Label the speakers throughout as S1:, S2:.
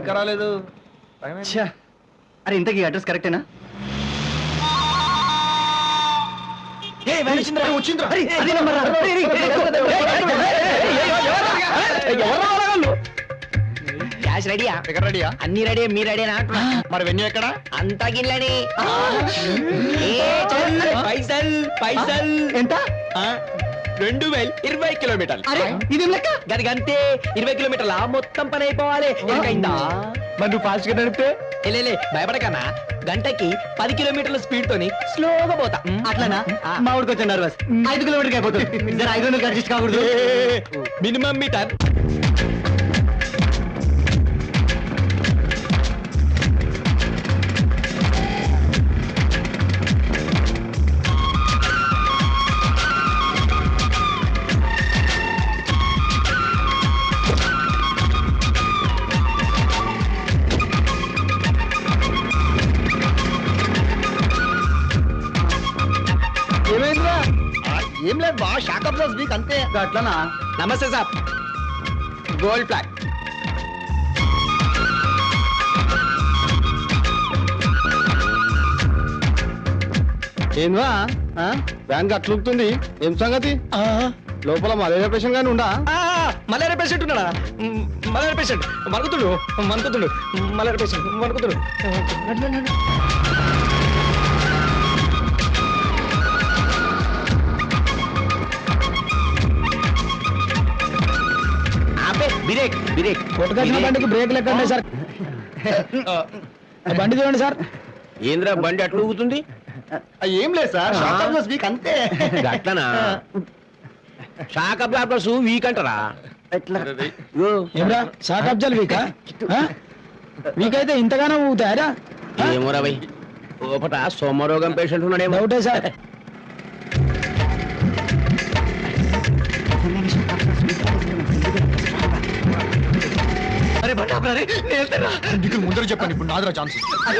S1: ఇంకా రాలేదు.
S2: అరే ఇంతకీ అడ్రస్ కరెక్టేనా?
S3: క్యాష్ రెడీయా?
S1: ఇక్కడ రెడీయా?
S3: అన్ని రెడీ, మీ రెడీనా?
S1: మరి వెన్యూ ఎక్కడ?
S3: అంతా గిన్నెలని. పైసల్ పైసల్
S2: ఎంత?
S3: 2020 కిలోమీటర్లు.
S2: ఇది లెక్క
S3: గదిగంతే 20 కిలోమీటర్ల మొత్తం పని అయిపోవాలి. ఎంతైందా?
S2: మరి నువ్వు ఫాస్ట్ గా నడిపితే
S3: లే భయపడకన్నా, గంటకి 10 కిలోమీటర్ల స్పీడ్ తోని స్లోగా పోతా.
S2: అట్లానా? మా ఊరికి వచ్చా నర్వస్ 5 కిలోమీటర్కి అయిపోతుంది. 500 అడ్జస్ట్ కాకూడదు.
S3: Minimum meter.
S1: ఏమైందిరా? ఏం లేదు బా, షాక్ అబ్జర్వ్ వీక్ అంతే.
S2: అట్లానా?
S3: నమస్తే సార్. Gold flag.
S1: ఏంద్రా వ్యాన్ అట్లుంటుంది, ఏం సంగతి? లోపల మలేరియా పేషెంట్ గానీ ఉండా?
S3: మలేరియా పేషెంట్ ఉన్నాడా? మలేరియా పేషెంట్ మరుగుతుడు మలేరియా పేషెంట్ మరుగుతుడు. బ్రేక్ బ్రేక్
S2: కొట్టుకొచ్చిన బండికి బ్రేక్ లెక్క సార్. బండి చూడండి సార్.
S3: ఏంద్రా బండి అట్లా ఊగుతుంది?
S1: ఏం లేదు సార్, షాక్ అబ్జర్వ్ వీక్ అంతే.
S3: అట్లనా? షాక్ అబ్జార్బర్స్ వీక్ అంటారా?
S2: ఏమరా షాక్ అబ్జర్వ్ వీకా? వీకైతే ఇంతగానో ఊగుతాయరా?
S3: ఏమోరా భయ్, లోపట సోమరోగం పేషెంట్ ఉన్నాడేమో.
S2: డౌటే సార్.
S1: అరే బండి ఆపరా, నీకు ముందర చెప్పాను, ఇప్పుడు నాదిరా ఛాన్స్.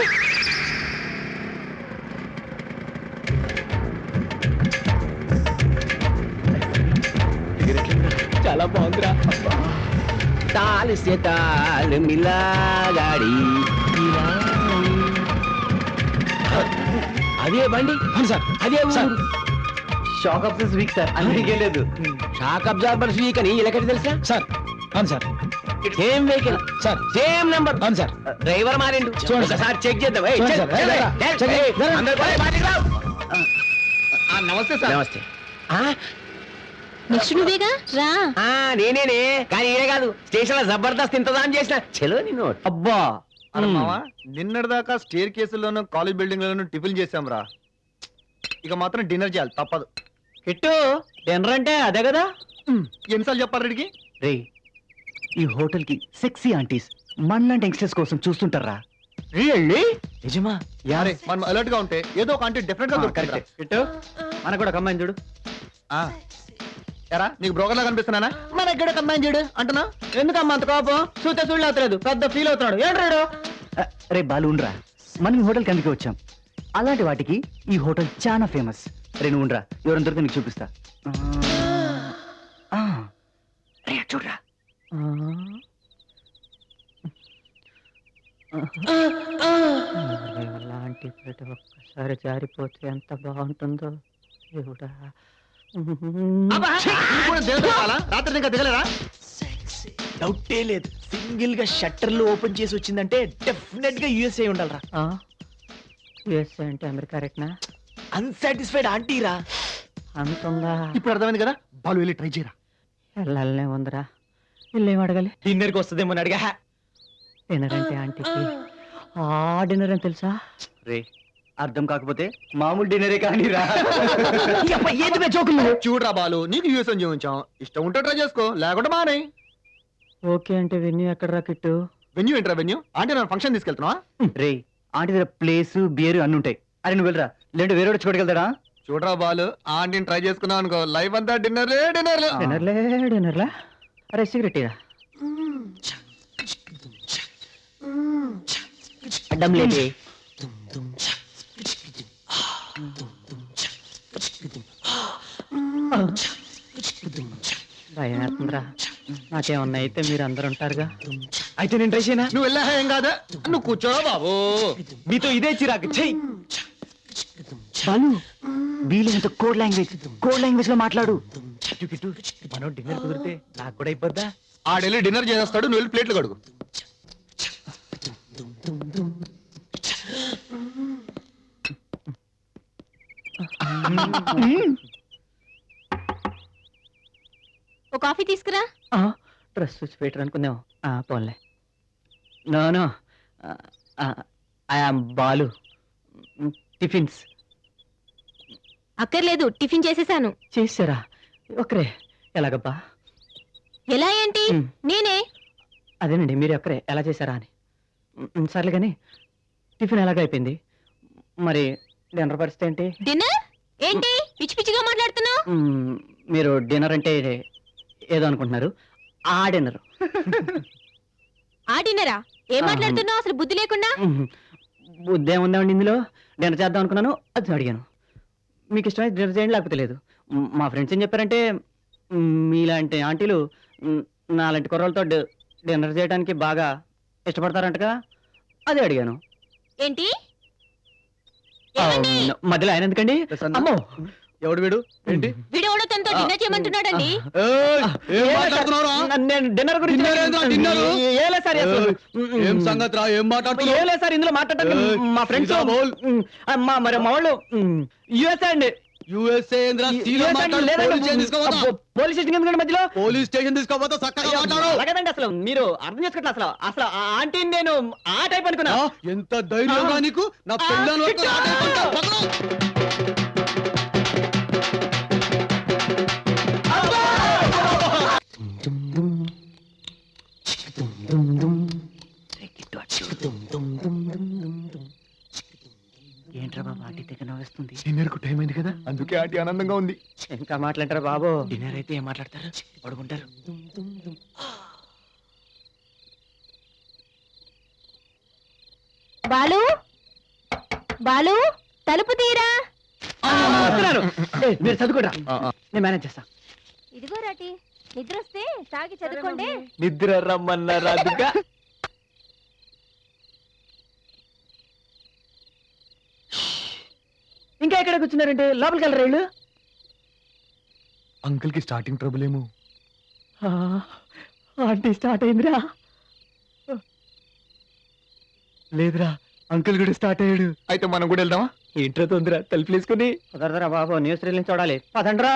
S3: చాలా బాగుందిరా. తాల్ సే తాల్ మిలా గాడి. అదే బండి
S2: సార్.
S3: అదే
S2: సార్.
S3: ఊరు.
S2: షాక్ అబ్జర్వ్ వీక్ సార్, అందుకే లేదు.
S3: షాక్ అబ్జార్బర్స్ వీక్ అని ఇలాకటి తెలుసా
S2: సార్? అవును sir.
S3: Same vehicle
S2: sir,
S3: same number.
S2: అవును సార్.
S3: డ్రైవర్ మారిండు.
S2: చూడండి సార్.
S3: సార్ చెక్ చేద్దాం. ఏయ్,
S2: చూడండి
S3: చెక్,
S2: సార్.
S3: చెక్,
S2: ఏరా,
S3: చెక్,
S2: చెక్,
S3: ఏయ్,
S2: ఏరా.
S3: అందరూ పోయి బయటికి రావు.
S1: నమస్తే సార్.
S3: నమస్తే.
S4: నెక్స్ట్ నువ్వేగా రా.
S3: నేనేనే, కానీ ఈడే కాదు, స్టేషన్ లో జబర్దస్త్ ఇంతదాం చేసిన. చలో నిన్ను.
S2: అబ్బా
S1: అరే మావా, నిన్నటిదాకా స్టేర్ కేసుల్లోనూ కాలేజ్ బిల్డింగ్ లోను టిఫిన్ చేసాం రా, ఇక మాత్రం డిన్నర్ చేయాలి, తప్పదు.
S2: కిట్టు డిన్నర్ అంటే అదే కదా?
S1: ఎన్నిసార్లు చెప్పాలి రెడ్డికి?
S2: రే, ఈ హోటల్ కి సెక్సీ ఆంటీస్ మనలాంటి యంగ్స్టర్స్ కోసం చూస్తుంటారా?
S1: రియల్లీ?
S2: నిజమా?
S1: యారే, మనం అలర్ట్ గా ఉంటే ఏదో ఒక ఆంటీ డెఫినెట్ గా దొరుకుతుంది.
S2: కరెక్ట్. కిట్టు మనకు కూడా కమ్మాయిని చూడు.
S1: ఎరా, నీకు బ్రోకర్ లా కనిపిస్తున్నానా? మన ఎక్కడ కమ్మాయిని చూడు అంటున్నా.
S2: ఎందుకమ్మా అంత కోపం? చూస్తే చూడలేదు, పెద్ద ఫీల్ అవుతున్నాడు. ఏంట్రాడు? రే బాలు ఉండరా, మనం ఈ హోటల్ కిందకి వచ్చాం. అలాంటి వాటికి ఈ హోటల్ చాలా ఫేమస్. రే నువ్వు ఉండరా, ఎవరైనా దొరికితే నీకు చూపిస్తా. రే చూడరా. అలాంటి ప్రతి ఒక్కసారి జారిపోతే ఎంత బాగుంటుందో దేవుడా.
S1: రాత్రి ఇంకా దిగలేరా?
S5: డౌటే లేదు, సింగిల్ గా షట్టర్లు ఓపెన్ చేసి వచ్చిందంటే డెఫినెట్ గా యుఎస్ఏ ఉండాలరా.
S2: యుఎస్ఏ అంటే అమెరికా రేట్నా?
S5: అన్సాటిస్ఫైడ్ ఆంటీరా.
S2: అంతుందా?
S1: ఇప్పుడు అర్థమైంది కదా, బాలు వెళ్ళి ట్రై చేయరా.
S2: వెళ్ళాలనే ఉందిరా. వీళ్ళేం అడగాలి?
S5: డిన్నర్ కి వస్తుందేమో అని అడిగా.
S2: డిన్నర్ అంటే ఆంటీకి ఆ డిన్నర్ అని తెలుసా?
S5: రే,
S2: అర్థం కాకపోతే మామూలు డిన్నరే కానీ రా.
S5: ఏది జోకులు?
S1: చూడరా బాలు, నీకు యూఎస్ అని చూపించాం, ఇష్టం ఉంటే ట్రై చేసుకో, లేకుంటే మానే.
S2: ఓకే అంటే వెన్యూ ఎక్కడ రా కిట్టు?
S1: వెన్యూ ఏంట్రా వెన్యూ? అంటే నేను ఫంక్షన్ తీసుకెళ్తున్నావా?
S2: రే, ఆంటీ దగ్గర ప్లేస్ బియర్ అన్ని ఉంటాయి. అరే నువ్వు వెళ్ళరా, లేదంటే వేరే చూడగలుగుతాడా?
S1: చూడరా బాలు, ఆంటీని ట్రై చేసుకున్నావు అనుకో, లైఫ్ అంతా డిన్నర్లే డిన్నర్లే.
S2: డిన్నర్లా? అరే సిగరెట్ ఇరా.
S3: అడ్డం లేదే.
S2: భయం వేస్తుందిరా. నాకేమన్నా అయితే మీరు అందరు ఉంటారుగా.
S5: అయితే నేను ట్రై చేయనా?
S1: నువ్వు వెళ్ళా ఏం కాదా, నువ్వు కూర్చోరా బాబు.
S5: మీతో ఇదే చిరాకు. చెయ్యి.
S2: బాలు వీలైనంత కోడ్ లాంగ్వేజ్ లో మాట్లాడు.
S5: కిట్టు, మనం డిన్నర్ కుదిరితే నాకు కూడా అయిపోద్దా?
S1: ఆడెళ్ళి డిన్నర్ చేసేస్తాడు, నువ్వు వెళ్ళి ప్లేట్లు కడుగు.
S4: ఓ కాఫీ తీసుకురా.
S2: డ్రెస్ చూసి పెట్టరు అనుకుందాం. పోన్లే. No I am Balu. Tiffins
S4: అక్కర్లేదు, టిఫిన్ చేసేసాను.
S2: చేసారా? ఒకరే ఎలాగబ్బా?
S4: ఎలా ఏంటి?
S2: మ్.
S4: నేనే.
S2: అదేనండి, మీరు ఒక్కరే ఎలా చేశారా అని. సర్లే కానీ టిఫిన్ ఎలాగ అయిపోయింది, మరి డిన్నర్ పరిస్థితి ఏంటి?
S4: డిన్నర్ ఏంటి పిచ్చి పిచ్చిగా మాట్లాడుతున్నావు?
S2: మీరు డిన్నర్ అంటే ఏదో అనుకుంటున్నారు. ఆ డిన్నర్
S4: ఆ డిన్నరా? ఏం మాట్లాడుతున్నావు అసలు బుద్ధి లేకుండా?
S2: బుద్ధి ఏముందండి ఇందులో? డిన్నర్ చేద్దాం అనుకున్నాను, అది అడిగాను. మీకు ఇష్టమైతే డిన్నర్ చేయండి, లేకపోతే లేదు. మా ఫ్రెండ్స్ ఏం చెప్పారంటే మీలాంటి ఆంటీలు నాలాంటి కుర్రలతో డిన్నర్ చేయడానికి బాగా ఇష్టపడతారంటగా, అదే అడిగాను.
S4: ఏంటి?
S2: ఆ,
S4: ఏమండి?
S2: మధ్యలో ఆయన ఎందుకండి?
S1: ప్రసన్న.
S2: అమ్మో,
S1: ఎవడు వీడు? ఏంటి?
S4: వీడెవడో తనతో డిన్నర్ చేయమంటున్నాడండి.
S1: ఏయ్, ఏం
S2: ఏలే
S1: మాట్లాడుతున్నావురా?
S2: సార్, నేను డిన్నర్ గురించి
S1: డిన్నర్ ఏంట్రా, డిన్నర్?
S2: ఏలే సార్, అసలు.
S1: ఏం సంగతిరా, ఏం మాట్లాడుతున్నావు?
S2: ఏలే సార్, ఇందులో మాట్లాడటానికి
S1: ఏయ్,
S2: మా ఫ్రెండ్స్
S1: సీదా బోల్.
S2: మరి మా వాళ్ళు యుఎస్ఏ అండి.
S1: USA ఏందిరా? సీదా మాట్లాడు. పోలీస్ స్టేషన్ తీసుకోపోతా.
S2: పోలీస్ స్టేషన్ ఎందుకండి మధ్యలో?
S1: పోలీస్ స్టేషన్ తీసుకోపోతా, చక్కగా మాట్లాడు.
S2: అలాగేనండి, అసలు మీరు అర్థం చేసుకోవట్లేదు. అసలు ఆ ఆంటీని నేను ఆ టైప్ అనుకున్నా.
S1: ఆ, ఎంత ధైర్యంగా నీకు నా పెళ్ళాన్ని పట్టుకొని ఆట ఆడుకుంటావు, పక్కన.
S2: ఏంట్రా బాబు ఆంటీ దగ్గర నవ్వేస్తుంది?
S1: డిన్నర్ కు టైం అయింది కదా, అందుకే ఆంటీ ఆనందంగా ఉంది.
S2: ఇంకా మాట్లాడతారా బాబు?
S5: డిన్నర్ అయితే ఏం మాట్లాడతారు? పడుకుంటారు.
S4: బాలు, బాలు, తలుపు తీరా.
S2: వస్తున్నారు. ఏయ్, మీరు చదువుకోరా, నేను మేనేజ్ చేస్తా.
S4: ఇదిగో రాటి, నిద్ర వస్తే తాగి చదువుకోండి.
S5: నిద్ర రమ్మన్నారాదుగా.
S2: ఇంకా ఎక్కడ కూర్చున్నారంటే లోపలికి వెళ్ళరా వీళ్ళు?
S1: అంకుల్ కి స్టార్టింగ్ ట్రబుల్ ఏమో.
S2: ఆంటీ స్టార్ట్ అయిందిరా.
S1: లేదురా, అంకుల్ కూడా స్టార్ట్ అయ్యాడు. అయితే మనం కూడా వెళ్దామా?
S5: ఏంట్రా తొందర? తలుపులేసుకుని
S2: కుదరదురా బాబు, న్యూస్ రీల్ని చూడాలి. పదండ్రా.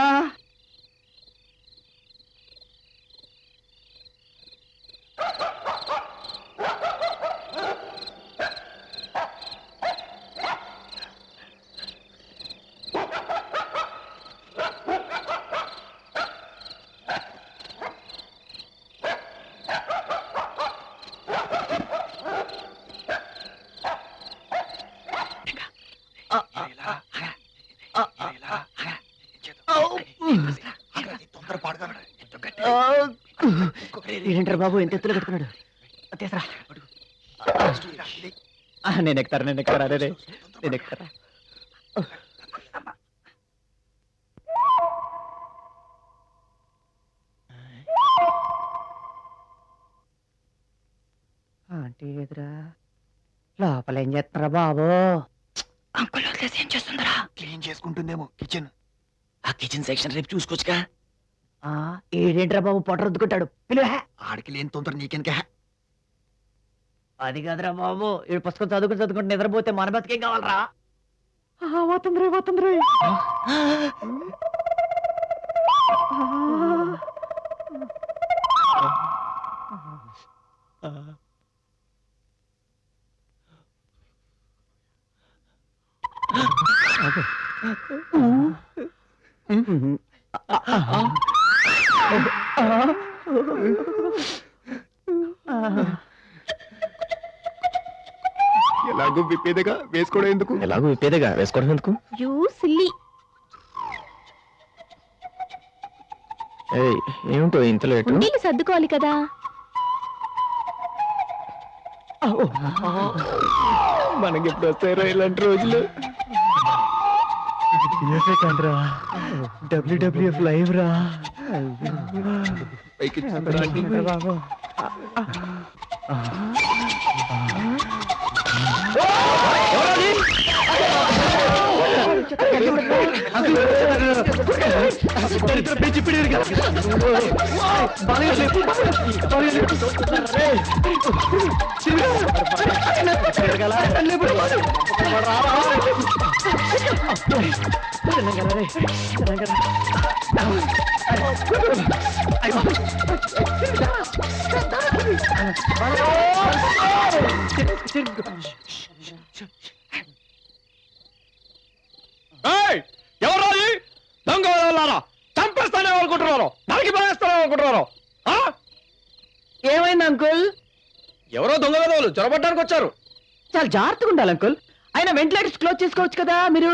S2: ఏంటారు బాబు, ఎంత ఎత్తులో పెట్టుకున్నాడు? తీసరా. నేను ఎక్కుతారా, నేను ఎక్కుతారా, రే నేను ఎక్కుతారా. ఆంటీ ఎదురా, లోపల ఏం చేస్తున్నారా బాబు? అంకుల్ వదిలేసి ఏం చేస్తుందరా?
S1: క్లీన్ చేసుకుంటుందేమో కిచెన్.
S5: ఆ కిచెన్ సెక్షన్ రేపు చూసుకోవచ్చుగా.
S2: ఏడేంట్రా బాబు, పొట్ట రుద్దుకుంటాడు. పిలువే.
S1: ఆడికి లేని తొందర నీకెనక.
S2: అది కాదురా బాబు, ఈ పుస్తకం చదువుకుంటూ నిద్రపోతే మన బతికేం కావాలరా? పోతుందిరే, పోతుందిరే.
S1: ఎలాగో విప్పేదగా వేసుకోవడం ఎందుకు?
S5: ఎలాగో విప్పేదేగా, వేసుకోవడం ఎందుకు?
S4: You silly.
S5: ఏమిటో ఇంత లేటు?
S4: ఉండీలు సర్దుకోవాలి కదా.
S5: మనకి ఎప్పుడు వస్తాయో ఇలాంటి రోజులు.
S2: డబ్ల్యూడబ్ల్యూఎఫ్ లైవ్ రా బాబు
S3: ఎవరు దొంగ వాళ్ళారా చంపేస్తానే అనుకుంటున్నారు నరికి పడేస్తానే అనుకుంటున్నారు
S2: ఏమైంది అంకుల్
S3: ఎవరో దొంగ వాళ్ళు చొరబట్టడానికి వచ్చారు
S2: చాలా జాగ్రత్తగా ఉండాలి అంకుల్ అయినా వెంటిలేటర్స్ క్లోజ్ చేసుకోవచ్చు కదా మీరు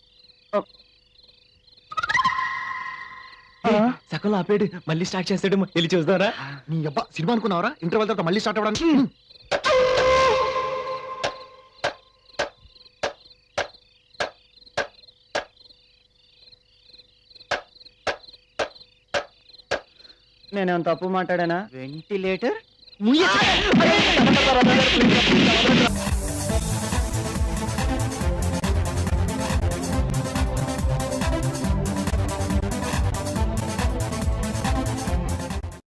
S5: సగంలో ఆపేడు మళ్ళీ స్టార్ట్ చేస్తాడు వెళ్ళి చూద్దారా
S1: నీ అబ్బా సినిమా అనుకున్నావరా ఇంటర్వెల్ తర్వాత మళ్ళీ స్టార్ట్ అవ్వడానికి
S2: నేనేం తప్పు మాట్లాడానా వెంటిలేటర్